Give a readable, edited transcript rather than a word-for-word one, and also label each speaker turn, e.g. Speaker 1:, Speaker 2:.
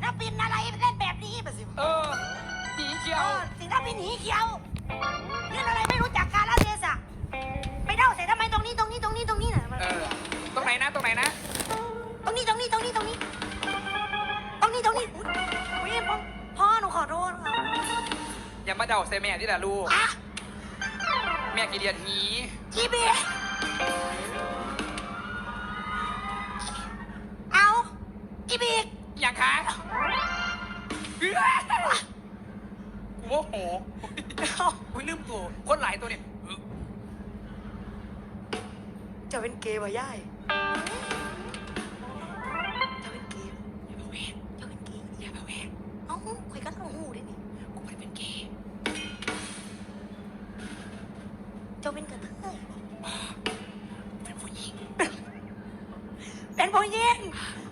Speaker 1: ลปินอะไรเล่นแบบนี้มาสิ
Speaker 2: สีเขียว
Speaker 1: ศิลปินหีเขียวเล่นอะไรไม่รู้จักกาลเทศะไปเด้าใส่ทำไมตรงนี้น่ะ
Speaker 2: ตรงไหนนะ
Speaker 1: ตรงนี้ตรงนี้ตรงนี้ตรงนี้ตรงนี้อุ๊ยพ่อหนูขอโทษค่ะ
Speaker 2: อย่ามาเดาใส่แม่ที่ละลูก
Speaker 1: อ่ะ
Speaker 2: แม่กี่เดียนหี
Speaker 1: จีบีเอาอีบีก
Speaker 2: อย่างคะกูโมโหอุ้ยลืมตัวคนหลายตัวเนี่ย
Speaker 1: จะเป็นเกย์วะย่ายจะเป็นเกย์
Speaker 2: อย่ามาแหวก
Speaker 1: จะเป็นเกย์
Speaker 2: อย่ามาแหวก
Speaker 1: เอ้าคุยกันต้องหูได้นี่
Speaker 2: กูไม่ได้เป็นเกย์
Speaker 1: จะเป็นกระเทย
Speaker 2: เป็นผู้หญิง
Speaker 1: เป็นผู้หญิง